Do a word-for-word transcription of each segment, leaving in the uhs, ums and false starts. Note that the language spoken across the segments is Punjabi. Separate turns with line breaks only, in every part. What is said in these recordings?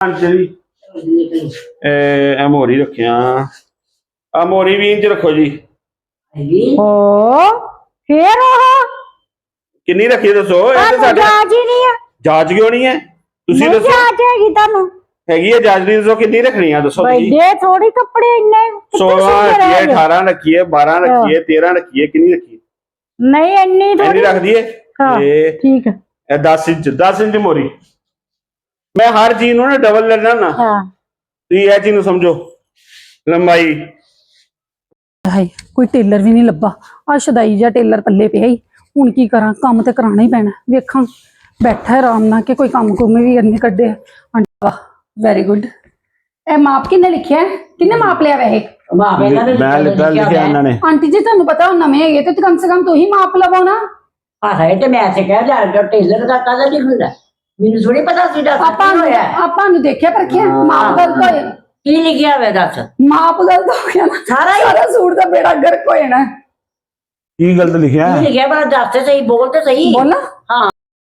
जी ए मोरी रखिया आ मोरी भी इंच रखो जी।
ओ फिर
किन्नी रखी दसो
जांच ही नहीं है।
जांच क्यों नहीं है तुसी
नहीं
दसो
जांच हैगी तानू
हैगी है जांच नहीं दसो किन्नी रखनी है दसो
बड़े थोड़ी कपड़े इन्ने
सोलह रखी है अठारह रखी है बारह रखी है तेरह रखी है किन्नी रखी है
नहीं इन्नी थोड़ी
रख दिए
ठीक है
दस इंच दस इंच मोरी मैं हर चीज ना डबल लेना ना तो ये चीज समझो लंबाई
हाय कोई टेलर भी नहीं लब्बा आ शदाई जा टेलर पल्ले पे ही हुण की करा काम ते कराना ही पैना वेखां बैठा आराम नाल के कोई काम कुम भी करने कड्डे आंटी वाह वेरी गुड ए माप किन्ने लिखिया है किन्ने माप लिया वैसे
माप मैं लिखा लिखिया इन्होंने
आंटी जी तुहानू पता हो नवे है ते कम से कम तू ही माप लवो ना
आ है ते मैं ते कह जा जो टेलर का काला नहीं हुंदा मेनू थोड़ी पता सी दस
आपा आपा नु देखिया परखिया माप गलत होए
की लिखिया वे दस
माप गलत हो गया ना सारा सारा सूट दा बेड़ा गर्क हो जाना
की गलत लिखिया
की लिखिया पर दस ते सही बोल ते सही
बोला हां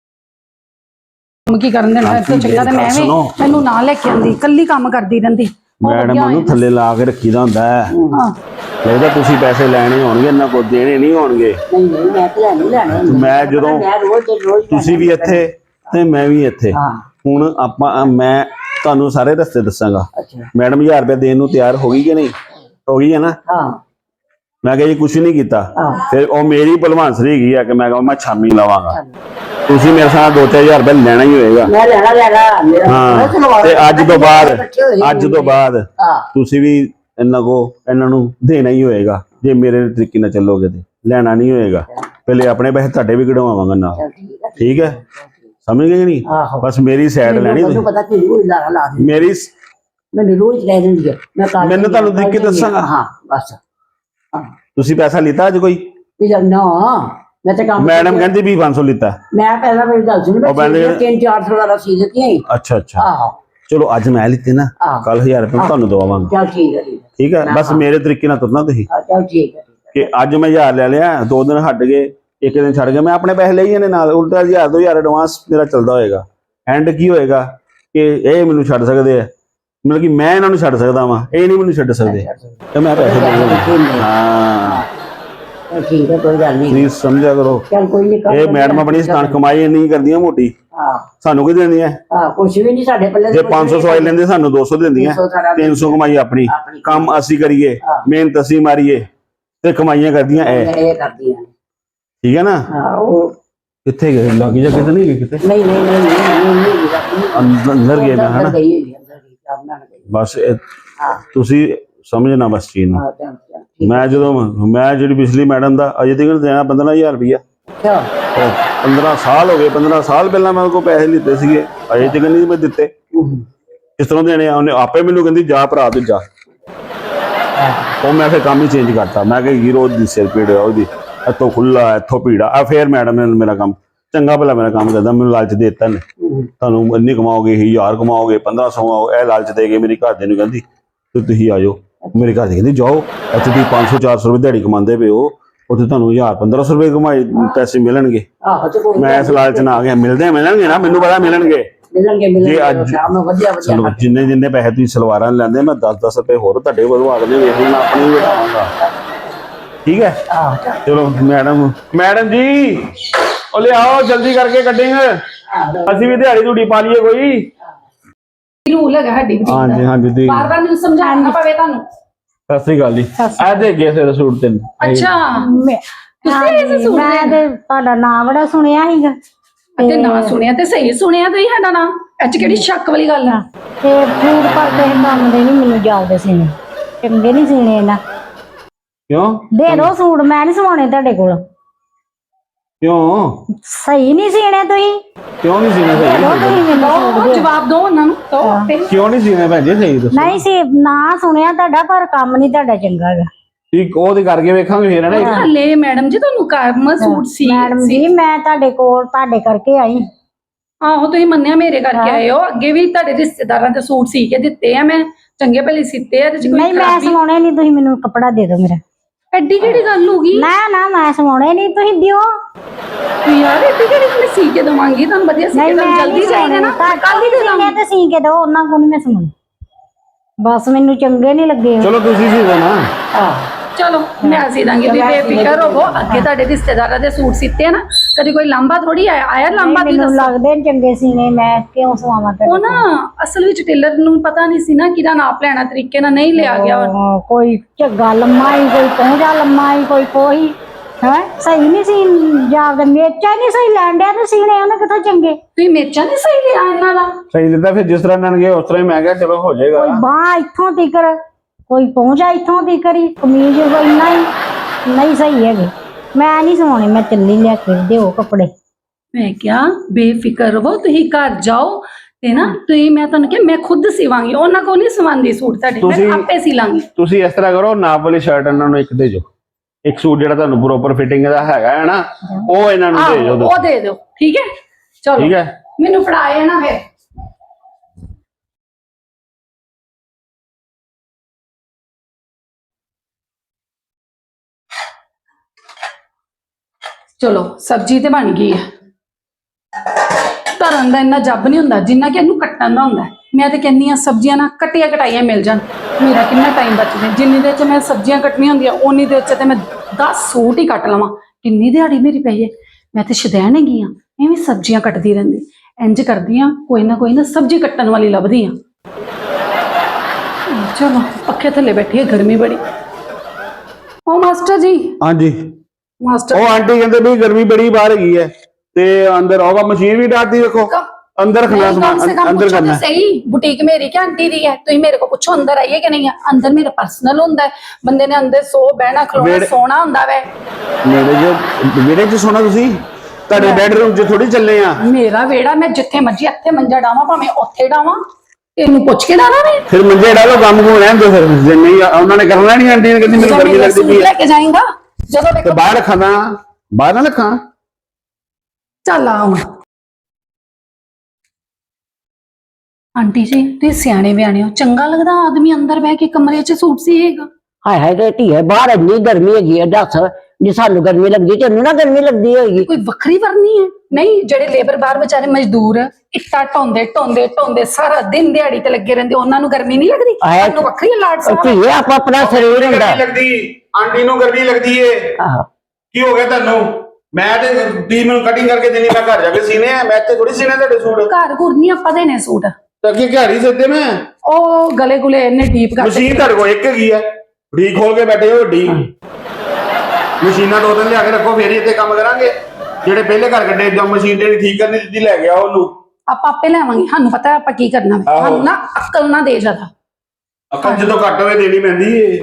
की करन देना तो चंगा ते मैं भी मैनू ना लेके आंदी कल्ली काम करदी रहंदी
मैडम नु थल्ले ला के रखीदा हुंदा है हां लगदा तुसी पैसे लेने होणगे इन्ना को देने नहीं होणगे
नहीं नहीं मैं ते नहीं लेने
मैं जदों
मैं रोज ते रोज
तुसी भी ਇੱਥੇ ਤੇ ਮੈਂ ਵੀ ਇੱਥੇ ਹੁਣ ਆਪਾਂ ਮੈਂ ਤੁਹਾਨੂੰ ਸਾਰੇ ਰਸਤੇ ਦੱਸਾਂਗਾ ਮੈਡਮ ਹਜ਼ਾਰ ਰੁਪਏ ਦੇਣ ਨੂੰ ਤਿਆਰ ਹੋ ਗਈ ਕਿ ਨਹੀਂ ਹੋ ਗਈ ਹੈ ਨਾ ਹਾਂ ਮੈਂ ਕਿਹਾ ਜੀ ਕੁਝ ਨਹੀਂ ਕੀਤਾ ਫਿਰ ਉਹ ਮੇਰੀ ਭਲਵਾਨਸਰੀ ਹੈਗੀ ਆ ਕਿ ਮੈਂ ਕਹਾਂ ਮੈਂ ਸ਼ਾਮੀ ਲਵਾਂਗਾ ਤੁਸੀਂ ਮੇਰੇ ਸਾਹ ਦੋ ਚਾਰ ਹਜ਼ਾਰ ਰੁਪਏ ਲੈਣਾ ਹੀ ਹੋਏਗਾ
ਮੈਂ ਲੈਣਾ ਲੈਣਾ ਮੇਰਾ
ਹਾਂ ਤੇ ਅੱਜ ਤੋਂ ਬਾਅਦ ਅੱਜ ਤੋਂ ਬਾਅਦ ਤੁਸੀਂ ਵੀ ਇਹਨਾਂ ਕੋ ਇਹਨਾਂ ਨੂੰ ਦੇਣਾ ਹੀ ਹੋਏਗਾ ਜੇ ਮੇਰੇ ਤਰੀਕੇ ਨਾਲ ਚੱਲੋਗੇ ਤੇ ਲੈਣਾ ਨਹੀਂ ਹੋਏਗਾ ਪਹਿਲੇ ਆਪਣੇ ਪੈਸੇ ਤੁਹਾਡੇ ਵੀ ਕਢਵਾਵਾਂਗਾ ਨਾਲ ਠੀਕ ਹੈ समझ गए नहीं बस मेरी साइड लेनी
तो पता कि रोज ला ला
मेरी
मैं रोज कह दूंगी मैं काल
मैंने ਤੁਹਾਨੂੰ ਦੇਖ ਕੇ ਦੱਸਾਂਗਾ
हां बस
ਤੁਸੀਂ ਪੈਸਾ ਲਿੱਤਾ ਅੱਜ ਕੋਈ
ना मैं तो काम
मैडम कहती भी पाँच सौ लिता
मैं पहला मेरी गल सुन मैं तीन चार सौ वाला सी देती है
अच्छा अच्छा हां चलो आज मैं लिते ना कल हज़ार रुपए ਤੁਹਾਨੂੰ ਦਵਾਵਾਂਗਾ
चल ठीक है
ठीक है बस मेरे तरीके ਨਾਲ ਤੁਰਨਾ ਤੁਸੀਂ
चल ठीक है
कि ਅੱਜ ਮੈਂ ਹਜ਼ਾਰ ਲੈ ਲਿਆ ਦੋ ਦਿਨ ਹਟ ਗਏ एक दिन छड़ के मैं अपने पैसे ले जाने नाल उल्टा हज़ार दो हज़ार एडवांस मेरा चलता होएगा एंड की होएगा कि ये मैनू छड़ सकते हैं मतलब कि मैं इन्होंने छड़ सकता वा ये नहीं मैनू छड़ सकते तो मैं पैसे दे हां
ठीक है कोई गल नहीं
प्लीज समझा करो
चल कोई नहीं
ये मैडम अपनी स्थान कमाई नहीं करदियां मोटी हां सानू की देंदियां
हां कुछ भी नहीं साडे पल्ले
जे पाँच सौ सवाई लेंदे सानू दो सौ देंदियां तीन सौ कमाई अपनी काम असी करिए मेहनत असी मारिए ते कमाइयां करदियां ए
करदियां
ठीक है ना
हां वो
किथे गए लागी जा किथे नहीं गए किथे
नहीं नहीं नहीं नहीं
अंदर गए मैं है ना
गई अंदर गई अपना गई
बस हां तुसी समझना बस चीज ਨੂੰ मैं ਜਦੋਂ मैं ਜਿਹੜੀ ਪਿਛਲੀ ਮੈਡਮ ਦਾ ਅਜੇ ਤੱਕ ਦੇਣਾ पंद्रह हज़ार ਰੁਪਇਆ ਅੱਛਾ पंद्रह ਸਾਲ ਹੋ ਗਏ पंद्रह ਸਾਲ ਪਹਿਲਾਂ ਮੈਂ ਕੋ ਪੈਸੇ ਲਿੱਤੇ ਸੀਗੇ ਅਜੇ ਤੱਕ ਨਹੀਂ ਮੈਂ ਦਿੱਤੇ ਇਸ ਤਰ੍ਹਾਂ ਦੇਣੇ ਉਹਨੇ ਆਪੇ ਮੈਨੂੰ ਕਹਿੰਦੀ ਜਾ ਭਰਾ ਤੂੰ ਜਾ ਉਹ ਮੈਂ ਫਿਰ ਕੰਮ ਹੀ ਚੇਂਜ ਕਰਤਾ ਮੈਂ ਕਿ ਹੀਰੋ ਦੀ ਸਿਰ ਪੀੜ ਹੋਇਆ ਉਹਦੀ ਇੱਥੋਂ ਖੁੱਲਾ ਇੱਥੋਂ ਭੀੜਾ ਆ ਫੇਰ ਮੈਡਮ ਨੇ ਮੇਰਾ ਕੰਮ ਚੰਗਾ ਭਲਾ ਮੇਰਾ ਕੰਮ ਕਰਦਾ ਮੈਨੂੰ ਲਾਲਚ ਦੇ ਦਿੱਤਾ ਨੇ ਤੁਹਾਨੂੰ ਇੰਨੀ ਕਮਾਓਗੇ ਹਜ਼ਾਰ ਕਮਾਓਗੇ ਪੰਦਰਾਂ ਸੌ ਇਹ ਲਾਲਚ ਦੇ ਕੇ ਮੇਰੀ ਘਰ ਦੇ ਨੂੰ ਕਹਿੰਦੀ ਤੇ ਤੁਸੀਂ ਆ ਜਾਓ ਮੇਰੇ ਘਰ ਦੇ ਕਹਿੰਦੀ ਜਾਓ ਇੱਥੇ ਤੁਸੀਂ ਪੰਜ ਸੌ ਚਾਰ ਸੌ ਰੁਪਏ ਦਿਹਾੜੀ ਕਮਾਉਂਦੇ ਪਏ ਹੋ ਉੱਥੇ ਤੁਹਾਨੂੰ ਹਜ਼ਾਰ ਪੰਦਰਾਂ ਸੌ ਰੁਪਏ ਕਮਾਈ ਪੈਸੇ ਮਿਲਣਗੇ ਮੈਂ ਇਸ ਲਾਲਚ ਨਾਲ ਆ ਗਿਆ ਮਿਲਦੇ ਮਿਲਣਗੇ ਨਾ ਮੈਨੂੰ ਪਤਾ ਮਿਲਣਗੇ
ਮਿਲਣਗੇ ਮਿਲਣਗੇ ਸ਼ਾਮ ਨੂੰ ਵਧੀਆ ਵਧੀਆ
ਜਿੰਨੇ ਜਿੰਨੇ ਪੈਸੇ ਤੁਸੀਂ ਸਲਵਾਰਾਂ ਲੈਂਦੇ ਮੈਂ ਦਸ ਦਸ ਰੁਪਏ ਹੋਰ ਤੁਹਾਡੇ ਵਧਵਾ ਕੇ ਵੇਖ ਲੈਣਾ ਆਪਣੀ ਵੀ ਵਧਾਵਾਂਗਾ ठीक है चलो मैडम मैडम जी ओ ले आओ जल्दी करके कटेंगे ਅਸੀਂ ਵੀ ਦਿਹਾੜੀ ਧੂੜੀ ਪਾ ਲਈਏ ਕੋਈ
ਰੂਲ ਹੈਗਾ ਸਾਡੀ ਬੁਟੀਕ ਦਾ
ਹਾਂਜੀ ਹਾਂਜੀ ਦੀ
ਬਾਰ ਬਾਰ ਮੈਨੂੰ ਸਮਝਾਉਣਾ ਪਵੇ ਤੁਹਾਨੂੰ
ਸਤਿ ਸ੍ਰੀ ਅਕਾਲ ਜੀ ਆ ਦੇ ਗਏ ਸੇ ਸੂਟ ਤਿੰਨ
ਅੱਛਾ ਤੁਸੀਂ ਇਸ ਸੂਟ
ਮੈਂ ਤੇ ਤੁਹਾਡਾ ਨਾਮ ਬੜਾ ਸੁਣਿਆ ਸੀਗਾ
ਤੇ ਨਾਂ ਸੁਣਿਆ ਤੇ ਸਹੀ ਸੁਣਿਆ ਤੁਸੀਂ ਸਾਡਾ ਨਾਂ ਅੱਜ ਕਿਹੜੀ ਸ਼ੱਕ ਵਾਲੀ ਗੱਲ ਆ
ਤੇ ਫੂਡ ਕਰਦੇ ਕੰਮ ਦੇ ਨਹੀਂ ਮੈਨੂੰ ਜਾਉਦੇ ਸੀ ਚੰਗੇ ਨਹੀਂ ਸੀਨੇ ਨਾ
क्यों
दे दो सूट मैं नहीं सवाने ਤੁਹਾਡੇ ਕੋਲ
क्यों
सही नहीं सीने ਤੁਸੀਂ
क्यों नहीं सीने सही
ਜਵਾਬ ਦਿਓ ਉਹਨਾਂ ਨੂੰ ਦੋ
क्यों नहीं सीने भैन जी सही ਦੱਸੋ
ਨਹੀਂ ਸੀ ਨਾ ਸੁਣਿਆ ਤੁਹਾਡਾ ਪਰ ਕੰਮ ਨਹੀਂ ਤੁਹਾਡਾ ਚੰਗਾ ਹੈਗਾ
ਠੀਕ ਉਹ ਤੇ ਕਰਕੇ ਵੇਖਾਂਗੇ ਫੇਰ ਨਾ
ਹਲੇ ਮੈਡਮ ਜੀ ਤੁਹਾਨੂੰ ਕੰਮ ਸੂਟ ਸੀ
ਮੈਡਮ ਜੀ ਮੈਂ ਤੁਹਾਡੇ ਕੋਲ ਤੁਹਾਡੇ ਕਰਕੇ ਆਈ
ਆਹੋ ਤੁਸੀਂ ਮੰਨਿਆ ਮੇਰੇ ਕਰਕੇ ਆਏ ਹੋ ਅੱਗੇ ਵੀ ਤੁਹਾਡੇ ਰਿਸ਼ਤੇਦਾਰਾਂ ਦੇ ਸੂਟ ਸੀ ਕੇ ਦਿੱਤੇ ਆ ਮੈਂ ਚੰਗੇ ਭਲੇ ਸੀਤੇ ਆ ਤੇ ਕੋਈ
ਨਹੀਂ ਮੈਂ ਸਵਾਉਣੇ ਨਹੀਂ ਤੁਸੀਂ ਮੈਨੂੰ ਕੱਪੜਾ ਦੇ ਦਿਓ ਮੇਰਾ
ਐਡੀ ਕਿਹੜੀ ਗੱਲ ਹੋ ਗਈ?
ਨਾ ਨਾ ਮੈਂ ਸਵਾਉਣੇ ਨਹੀਂ, ਤੁਸੀਂ ਦਿਓ।
ਯਾਰ ਐਡੀ ਕਿਹੜੀ ਮੈਂ ਸੀ ਕੇ ਦਵਾਂਗੀ ਤੁਹਾਨੂੰ, ਵਧੀਆ ਸੀ ਕੇ ਦਵਾਂ, ਜਲਦੀ ਚਾਹੀਦਾ ਨਾ, ਕੱਲ ਹੀ ਦੇ ਦਾਂਗੀ।
ਤੇ ਸੀ ਕੇ ਦੋ, ਉਹਨਾਂ ਕੋਲ ਨਹੀਂ ਮੈਂ ਸਵਾਉਣੇ, ਬਸ ਮੈਨੂੰ ਚੰਗੇ ਨਹੀਂ ਲੱਗੇ।
ਚਲੋ ਤੁਸੀਂ ਸੀ ਦੋ ਨਾ।
ਚਲੋ ਮੈਂ ਸੀ ਦਾਂਗੀ, ਤੁਸੀਂ ਬੇਫਿਕਰ ਹੋਵੋ। ਅੱਗੇ ਤੁਹਾਡੇ ਰਿਸ਼ਤੇਦਾਰਾਂ ਦੇ ਸੂਟ ਸੀਤੇ ਆ ਨਾ, ਕਦੀ ਕੋਈ ਲਾਂਬਾ ਥੋੜੀ ਆਇਆ ਆਇਆ ਲਾਂਬਾ ਦੀ
ਮੈਨੂੰ ਲੱਗਦੇ ਨੇ ਚੰਗੇ ਸੀਨੇ, ਮੈਂ ਕਿਉਂ ਸਵਾਵਾਂ ਤੇ?
ਉਹ ਨਾ ਅਸਲ ਵਿੱਚ ਟੇਲਰ ਨੂੰ ਪਤਾ ਨਹੀਂ ਸੀ ਨਾ ਕਿਹਦਾ ਨਾਪ ਲੈਣਾ, ਤਰੀਕੇ ਨਾਲ ਨਹੀਂ ਲਿਆ ਗਿਆ।
ਉਹ ਕੋਈ ਝੱਗਾ ਲੰਮਾ ਹੀ, ਕੋਈ ਪਹੁੰਚਾ ਲੰਮਾ ਹੀ, ਕੋਈ ਕੋਈ ਹੈ ਸਹੀ ਨਹੀਂ ਸੀ ਜਾਪਦਾ, ਮੇਚਾ ਨਹੀਂ ਸਹੀ ਲੈਣ ਡਿਆ ਤੇ ਸੀਨੇ ਉਹਨੇ ਕਿੱਥੋਂ ਚੰਗੇ।
ਤੁਸੀਂ ਮੇਚਾ ਨਹੀਂ ਸਹੀ ਲਿਆ ਇਹਨਾਂ ਦਾ?
ਸਹੀ ਦਿੱਤਾ ਫਿਰ, ਜਿਸ ਤਰ੍ਹਾਂ ਇਹਨਾਂ ਨੇ ਉਸ ਤਰ੍ਹਾਂ ਹੀ ਮੈਂ ਕਿਹਾ ਚਲੋ ਹੋ ਜਾਏਗਾ।
ਕੋਈ ਬਾਹ ਇੱਥੋਂ ਤੀਕਰ, ਕੋਈ ਪਹੁੰਚਾ ਇੱਥੋਂ ਤੀਕਰ ਹੀ, ਕਮੀਜ਼ ਇੰਨਾ ਹੀ ਨਹੀਂ ਸਹੀ ਹੈਗੇ। ਮੈਂ ਨਹੀਂ ਸਵਾਉਣੇ, ਮੈਂ ਚੱਲੀ ਲਿਆ ਕੇ ਦਿਓ ਕੱਪੜੇ।
ਮੈਂ ਕਿਹਾ ਬੇਫਿਕਰ ਰਹੋ, ਤੁਸੀਂ ਘਰ ਜਾਓ ਤੇ ਨਾ ਤੁਸੀਂ, ਮੈਂ ਤੁਹਾਨੂੰ ਕਿਹਾ ਮੈਂ ਖੁਦ ਸਿਵਾਂਗੀ, ਉਹਨਾਂ ਕੋਲ ਨਹੀਂ ਸਵਾਂਦੀ ਸੂਟ ਤੁਹਾਡੇ, ਮੈਂ ਆਪੇ ਸੀ ਲਾਂਗੀ।
ਤੁਸੀਂ ਇਸ ਤਰ੍ਹਾਂ ਕਰੋ, ਨਾਪ ਵਾਲੀ ਸ਼ਰਟ ਇਹਨਾਂ ਨੂੰ ਇੱਕ ਦੇ ਦਿਓ, ਇੱਕ ਸੂਟ ਜਿਹੜਾ ਤੁਹਾਨੂੰ ਪ੍ਰੋਪਰ ਫਿਟਿੰਗ ਦਾ ਹੈਗਾ ਹੈ ਨਾ, ਉਹ ਇਹਨਾਂ ਨੂੰ ਦੇ ਦਿਓ।
ਉਹ ਦੇ ਦਿਓ, ਠੀਕ ਹੈ? ਚਲੋ
ਠੀਕ ਹੈ,
ਮੈਨੂੰ ਫੜਾਏ ਨਾ ਫਿਰ। ਚਲੋ ਸਬਜ਼ੀ ਤੇ ਬਣ ਗਈ ਹੈ। ਧਰਨ ਦਾ ਇੰਨਾ ਜੱਬ ਨਹੀਂ ਹੁੰਦਾ ਜਿੰਨਾ ਕਿ ਇਹਨੂੰ ਕੱਟਣ ਦਾ ਹੁੰਦਾ। ਮੈਂ ਤੇ ਕਹਿੰਦੀ ਆ ਸਬਜ਼ੀਆਂ ਨਾ ਕੱਟੀਆਂ ਕਟਾਈਆਂ ਮਿਲ ਜਾਣ, ਮੇਰਾ ਕਿੰਨਾ ਟਾਈਮ ਬਚਦਾ। ਜਿੰਨੀ ਦੇਰ ਚ ਮੈਂ ਸਬਜ਼ੀਆਂ ਕੱਟਣੀਆਂ ਹੁੰਦੀਆਂ ਉਨੀ ਦੇਰ ਚ ਤੇ ਮੈਂ ਦਸ ਸੂਟ ਹੀ ਕੱਟ ਲਵਾਂ। ਕਿੰਨੀ ਦਿਹਾੜੀ ਮੇਰੀ ਪਈ ਹੈ, ਮੈਂ ਤੇ ਸ਼ੁਦੈਣ ਹੈਗੀ ਆ, ਐਵੇਂ ਸਬਜ਼ੀਆਂ ਕੱਟਦੀ ਰਹਿੰਦੀ। ਇੰਜ ਕਰਦੀ ਆ, ਕੋਈ ਨਾ ਕੋਈ ਨਾ ਸਬਜ਼ੀ ਕੱਟਣ ਵਾਲੀ ਲੱਭਦੀ ਆ। ਚਲੋ ਪੱਖੇ ਥੱਲੇ ਬੈਠੀ ਹੈ, ਗਰਮੀ ਬੜੀ। ਉਹ ਮਾਸਟਰ ਜੀ।
ਹਾਂਜੀ
ਮਾਸਟਰ
ਉਹ ਆਂਟੀ ਕਹਿੰਦੇ ਵੀ ਗਰਮੀ ਬੜੀ ਬਾਹਰ ਹੈਗੀ ਹੈ ਤੇ ਅੰਦਰ ਆਉਗਾ, ਮਸ਼ੀਨ ਵੀ ਡਾਟਦੀ ਦੇਖੋ, ਅੰਦਰ ਖਣਾ ਸਮਾਨ ਅੰਦਰ ਕਰਨਾ।
सही बुटीक मेरी क्या आंटी दी है, तुम मेरे को पूछो अंदर आइए कि नहीं है? अंदर मेरा पर्सनल होता है, बंदे ने अंदर सो बहना खलोना सोना होता है।
मेरे जो विहड़े च सोना तुसी ਤੁਹਾਡੇ ਬੈਡਰੂਮ 'ਚ ਥੋੜੀ ਚੱਲੇ ਆ।
ਮੇਰਾ ਵਿਹੜਾ, ਮੈਂ ਜਿੱਥੇ ਮਰਜੀ ਇੱਥੇ ਮੰਜਾ ਡਾਵਾਂ, ਭਾਵੇਂ ਉੱਥੇ ਡਾਵਾਂ, ਇਹਨੂੰ ਪੁੱਛ ਕੇ ਡਾਵਾਂ ਮੈਂ।
ਫਿਰ ਮੰਜੇ ਡਾਲੋ, ਕੰਮ ਕੋ ਰਹਿਣ ਦੋ। ਫਿਰ ਜੇ ਨਹੀਂ ਉਹਨਾਂ ਨੇ ਕਰਨਾ ਨਹੀਂ, ਆਂਟੀ ਨੇ ਕਹਿੰਦੀ ਮੈਨੂੰ ਗਰਮੀ ਲੱਗਦੀ ਪਈ
ਲੈ ਕੇ ਜਾਏਗਾ ਜਦੋਂ
ਤੇ ਬਾਹਰ ਰੱਖਾਂ, ਬਾਹਰ ਨਾ ਰੱਖਾਂ।
ਚੱਲ ਆ ਹੁਣ। ਆਂਟੀ ਜੀ ਤੁਸੀਂ ਸਿਆਣੇ ਬਿਆਣੇ ਹੋ, ਚੰਗਾ ਲੱਗਦਾ ਆਦਮੀ ਅੰਦਰ ਬਹਿ ਕੇ ਕਮਰੇ 'ਚ ਸੂਟ ਸੀਏਗਾ?
ਹਾਏ ਹਾਏ ਤੇ ਧੀਏ, ਬਾਹਰ ਇੰਨੀ ਗਰਮੀ ਹੈਗੀ ਹੈ, ਦੱਸ ਜੇ ਸਾਨੂੰ ਗਰਮੀ ਲੱਗਦੀ ਤੈਨੂੰ ਨਾ ਗਰਮੀ ਲੱਗਦੀ ਹੋਏਗੀ?
ਕੋਈ ਵੱਖਰੀ ਵਰਨੀ ਹੈ? ਨਹੀਂ, ਜਿਹੜੇ ਲੇਬਰ ਬਾਹਰ ਵਿਚਾਰੇ ਮਜ਼ਦੂਰ ਇੱਟਾਂ ਢੋਂਦੇ ਢੋਂਦੇ ਢੋਂਦੇ ਸਾਰਾ ਦਿਨ ਦਿਹਾੜੀ ਤੇ ਲੱਗੇ ਰਹਿੰਦੇ, ਉਹਨਾਂ ਨੂੰ ਗਰਮੀ ਨਹੀਂ ਲੱਗਦੀ? ਸਾਨੂੰ ਵੱਖਰੀ ਲਾਟ ਸਾਹਿਬ
ਧੀਏ, ਆਪੋ ਆਪਣਾ ਸਰੀਰ ਹੁੰਦਾ।
ਲੱਗਦੀ ਆਂਟੀ ਨੂੰ ਗਰਮੀ ਲੱਗਦੀ ਏ।
ਆਹੋ,
ਕੀ ਹੋ ਗਿਆ ਤੁਹਾਨੂੰ? ਮੈਂ ਤੇ ਤੀ ਮੈਨੂੰ ਕਟਿੰਗ ਕਰਕੇ ਦੇਣੀ, ਮੈਂ ਘਰ ਜਾ ਕੇ ਸੀਨੇ ਆ, ਮੈਂ ਤੇ ਥੋੜੀ ਸੀਨੇ ਤੁਹਾਡੇ ਸੂਟ।
ਘਰ ਘੁਰ ਨਹੀਂ ਆਪਾਂ ਦੇਣੇ ਸੂਟ,
ਤਾਂ ਕੀ ਘਰ ਹੀ ਸਿੱਧੇ ਮੈਂ
ਉਹ ਗਲੇ ਗੁਲੇ ਇੰਨੇ ਡੀਪ ਕਰ।
ਮਸ਼ੀਨ ਤੁਹਾਡੇ ਕੋਲ ਇੱਕ ਹੈਗੀ ਆ, ਢੀ ਖੋਲ ਕੇ ਬੈਠੇ ਹੋ ਢੀ। ਮਸ਼ੀਨਾਂ ਦੋ ਦਿਨ ਲਿਆ ਕੇ ਰੱਖੋ, ਫੇਰ ਹੀ ਇੱਥੇ ਕੰਮ ਕਰਾਂਗੇ। ਜਿਹੜੇ ਪਹਿਲੇ ਘਰ ਕੱਢੇ ਜਾਂ ਮਸ਼ੀਨ ਤੇ ਠੀਕ ਕਰਨੀ ਦਿੱਤੀ, ਲੈ ਗਿਆ ਉਹਨੂੰ।
ਆਪਾਂ ਆਪੇ ਲੈਵਾਂਗੇ, ਸਾਨੂੰ ਪਤਾ ਆਪਾਂ ਕੀ ਕਰਨਾ ਹੈ। ਸਾਨੂੰ ਨਾ ਅਕਲ ਨਾ ਦੇ ਜ਼ਿਆਦਾ।
ਅਕਲ ਜਦੋਂ ਘੱਟ ਹੋਵੇ ਦੇਣੀ ਪੈਂਦੀ ਏ।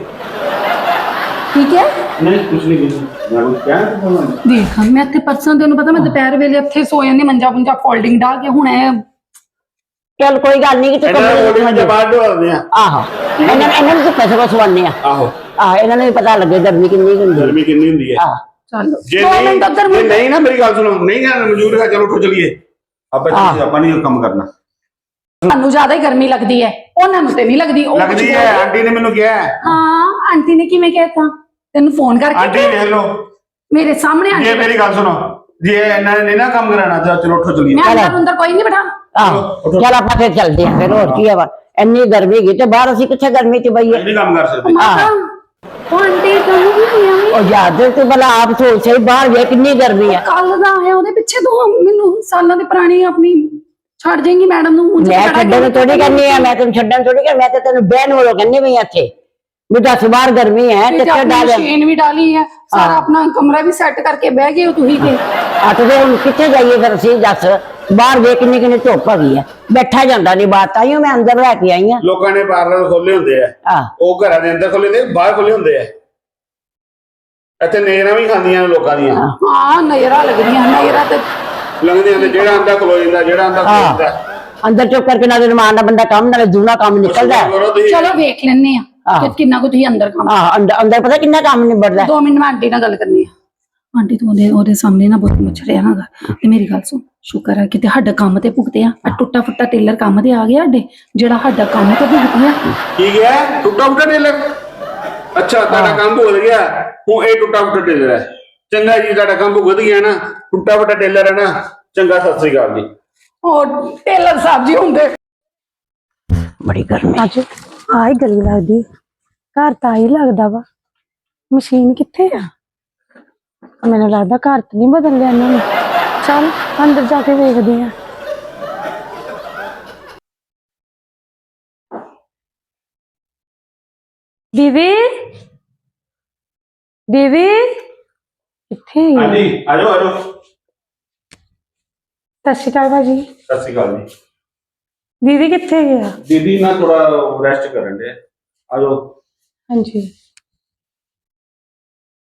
ਠੀਕ ਹੈ?
ਨਹੀਂ ਕੁਝ ਨਹੀਂ ਕੁਝ ਮੈਂ ਕਿਹਾ
ਦੇਖ, ਮੈਂ ਇੱਥੇ ਪਰਸੋਂ ਤੈਨੂੰ ਪਤਾ ਮੈਂ ਦੁਪਹਿਰ ਵੇਲੇ ਇੱਥੇ ਸੋ ਜਾਂਦੀ, ਮੰਜਾ ਪੁੰਜਾ ਫੋਲਡਿੰਗ ਡਾ ਕੇ। ਹੁਣ ਇਹ
ਚੱਲ ਕੋਈ ਗੱਲ ਨਹੀਂ, ਕਿ ਤੂੰ
ਇਹਨਾਂ ਬਾਹਰ ਢੋਲਦੇ ਆ।
ਆਹੋ, ਇਹਨਾਂ ਇਹਨਾਂ ਨੂੰ ਪੈਸੇ ਵਸਵਾਨੇ ਆ।
ਆਹੋ
ਆਹ, ਇਹਨਾਂ ਨੂੰ ਵੀ ਪਤਾ ਲੱਗੇ ਗਰਮੀ ਕਿੰਨੀ ਹੁੰਦੀ ਹੈ।
ਗਰਮੀ ਕਿੰਨੀ ਹੁੰਦੀ ਹੈ।
ਆਹ
ਚੱਲ
ਜੇ
ਦੋ ਮਿੰਟ ਉੱਧਰ
ਨਹੀਂ ਨਹੀਂ ਨਾ, ਮੇਰੀ ਗੱਲ ਸੁਣੋ, ਨਹੀਂ ਜਾਣਾ ਮੌਜੂਦ ਹੈ, ਚਲੋ ਉੱਠੋ ਚਲੀਏ। ਆਪਾਂ ਆਪਾਂ ਨਹੀਂ ਕੰਮ ਕਰਨਾ।
ਸਾਨੂੰ ਜ਼ਿਆਦਾ ਹੀ ਗਰਮੀ ਲੱਗਦੀ ਹੈ, ਉਹਨਾਂ ਨੂੰ ਤੇ ਨਹੀਂ ਲੱਗਦੀ। ਉਹ
ਲੱਗਦੀ ਹੈ, ਆਂਟੀ ਨੇ ਮੈਨੂੰ ਕਿਹਾ।
ਹਾਂ, ਆਂਟੀ ਨੇ ਕਿਵੇਂ ਕਹਿਤਾ ਤੈਨੂੰ? ਫੋਨ ਕਰਕੇ
ਆਂਟੀ ਦੇਖ ਲਓ
ਮੇਰੇ ਸਾਹਮਣੇ।
ਜੇ ਮੇਰੀ ਗੱਲ ਸੁਣੋ, ਜੇ ਇਹਨਾਂ ਨੇ ਨਹੀਂ ਨਾ ਕੰਮ ਕਰਾਣਾ ਤਾਂ ਚਲੋ ਉੱਠੋ ਚਲੀਏ।
ਮੈਂ ਅੰਦਰ ਅੰਦਰ ਕੋਈ ਨਹੀਂ ਬਿਠਾ।
ਆਹੋ, ਚੱਲ ਆਪਾਂ ਫਿਰ ਚੱਲਦੇ ਆ। ਫਿਰ ਹੋਰ ਕੀ ਆ, ਇੰਨੀ ਗਰਮੀ ਹੈਗੀ ਤੇ ਬਾਹਰ ਅਸੀਂ ਕਿੱਥੇ ਗਰਮੀ ਚ ਬਈਏ?
ਨਹੀਂ ਕੰਮ ਕਰ ਸਕਦੇ।
ਮਾਤਾ ਉਹ ਆਂਟੀ ਤੁਹਾਨੂੰ ਵੀ ਹੋਇਆ ਵੀ?
ਉਹ ਯਾਦ ਤੂੰ ਭਲਾ ਆਪ ਸੋਚ ਸਹੀ, ਬਾਹਰ ਵੇ ਕਿੰਨੀ ਗਰਮੀ ਹੈ।
ਕੱਲ ਦਾ ਆਇਆ, ਉਹਦੇ ਪਿੱਛੇ ਤੋਂ ਮੈਨੂੰ ਸਾਲਾਂ ਦੀ ਪੁਰਾਣੀ ਆਪਣੀ ਛੱਡ ਜਾਏਗੀ ਮੈਡਮ ਨੂੰ।
ਮੈਂ ਛੱਡਣ ਨੂੰ ਥੋੜੀ ਕਹਿੰਦੀ ਆ, ਮੈਂ ਤੈਨੂੰ ਛੱਡਣ ਥੋੜੀ ਕਰ, ਮੈਂ ਤੇ ਤੈਨੂੰ ਬਹਿਣ ਵਾਲੋ ਕਹਿੰਦੀ ਪਈ ਇੱਥੇ ਵੀ ਦੱਸ ਬਾਹਰ ਗਰਮੀ ਹੈ ਤੇ ਡਾਲ
ਮਸ਼ੀਨ ਵੀ ਡਾਲੀ ਹੈ, ਸਾਰਾ ਆਪਣਾ ਕਮਰਾ ਵੀ ਸੈੱਟ ਕਰਕੇ ਬਹਿ ਗਏ ਹੋ ਤੁਸੀਂ ਤੇ।
ਆ ਤੇ ਹੁਣ ਕਿੱਥੇ ਜਾਈਏ ਫਿਰ ਅਸੀਂ? ਦੱਸ ਬਾਹਰ ਵੇ ਕਿੰਨੀ ਕਿੰਨੀ ਧੁੱਪ ਹੈਗੀ ਆ, ਬੈਠਾ ਜਾਂਦਾ ਨਹੀਂ ਬਾਹਰ। ਤਾਈਓ ਮੈਂ ਅੰਦਰ ਲੈ ਕੇ ਆਈ ਆ।
ਲੋਕਾਂ ਨੇ ਪਾਰਲਰ ਖੋਲੇ ਹੁੰਦੇ ਆ, ਉਹ ਘਰਾਂ ਦੇ ਅੰਦਰ ਖੋਲੇ ਹੁੰਦੇ, ਬਾਹਰ ਖੋਲੇ ਹੁੰਦੇ ਆ। ਇੱਥੇ ਨੇਰਾਂ ਵੀ ਖਾਂਦੀਆਂ ਨੇ ਲੋਕਾਂ ਦੀਆਂ।
ਹਾਂ, ਨਜ਼ਰਾਂ ਲੱਗਦੀਆਂ, ਨਜ਼ਰਾਂ ਤੇ
ਲੰਘਦੀਆਂ ਤੇ ਜਿਹੜਾ ਅੰਦਰ ਖਲੋ ਜਾਂਦਾ, ਜਿਹੜਾ ਅੰਦਰ ਖਲੋ ਜਾਂਦਾ
ਅੰਦਰ ਚੁੱਪ ਕਰਕੇ ਨਾਲੇ ਰਮਾਨ ਦਾ ਬੰਦਾ ਕੰਮ, ਨਾਲੇ ਦੂਣਾ ਕੰਮ ਨਿਕਲਦਾ।
ਚਲੋ ਵੇਖ ਲੈਣੇ ਆ ਕਿ ਕਿੰਨਾ ਕੁ ਤੁਸੀਂ ਅੰਦਰ ਕੰਮ।
ਆਹ ਅੰਦਰ ਪਤਾ ਕਿੰਨਾ ਕੰਮ ਨਿਬੜਦਾ।
ਦੋ ਮਿੰਟ ਮੈਂ ਆਂਟੀ ਨਾਲ ਗੱਲ ਕਰਨੀ ਆ। ਆਂਟੀ ਤੂੰ ਉਹਦੇ ਉਹਦੇ ਸਾਹਮਣੇ ਨਾ ਬਹੁਤ ਮੱਛਰਿਆ ਨਾ ਤੇ ਮੇਰੀ ਗੱਲ ਸੁਣ, ਸ਼ੁਕਰ ਹੈ ਕਿਤੇ ਸਾਡਾ ਕੰਮ ਤੇ ਭੁਗਤੇ ਆ। ਟੁੱਟਾ ਫੁੱਟਾ ਟੇਲਰ ਕੰਮ ਤੇ ਆ ਗਿਆ ਸਾਡੇ, ਜਿਹੜਾ ਸਾਡਾ ਕੰਮ ਤੇ ਭੁਗਤੇ ਆ।
ਕੀ ਗਿਆ? ਟੁੱਟਾ ਫੁੱਟਾ ਟੇਲਰ? ਅੱਛਾ, ਤੁਹਾਡਾ ਕੰਮ ਭੁੱਲ ਗਿਆ। ਉਹ ਇਹ ਟੁੱਟਾ ਫੁੱਟਾ ਟੇਲਰ ਹੈ। ਚੰਗਾ ਜੀ, ਤੁਹਾਡਾ ਕੰਮ ਵਧ ਗਿਆ ਨਾ, ਟੁੱਟਾ ਫੁੱਟਾ ਟੇਲਰ ਹੈ ਨਾ। ਚੰਗਾ, ਸਤਿ ਸ੍ਰੀ ਅਕਾਲ ਜੀ।
ਉਹ ਟੇਲਰ ਸਾਹਿਬ ਜੀ ਹੁੰਦੇ
ਬੜੀ ਗਰਮੀ।
ਅੱਜ ਆਈ ਗਲੀ ਲੱਗਦੀ ਘਰ ਤਾਂ ਆਈ ਲੱਗਦਾ ਵਾ ਮਸ਼ੀਨ ਕਿੱਥੇ ਆ ਮੈਨੂੰ ਲੱਗਦਾ ਘਰ ਤਾਂ ਨਹੀਂ ਬਦਲ ਲਿਆ ਇਹਨਾਂ ਨੇ ਚੱਲ ਅੰਦਰ ਜਾ ਕੇ ਵੇਖਦੇ ਆ ਦੀਦੀ ਦੀਦੀ ਕਿੱਥੇ ਹੈ
ਹਾਂਜੀ, ਆ ਜਾਓ ਆ ਜਾਓ।
ਸਤਿ ਸ਼੍ਰੀ ਅਕਾਲ ਭਾਜੀ
ਸਤਿ ਸ੍ਰੀ ਅਕਾਲ ਜੀ।
ਦੀਦੀ ਕਿੱਥੇ ਗਿਆ
ਦੀਦੀ ਨਾ ਥੋੜਾ ਰੈਸਟ ਕਰਨ ਦੇ। ਆ ਜਾਓ।
ਹਾਂਜੀ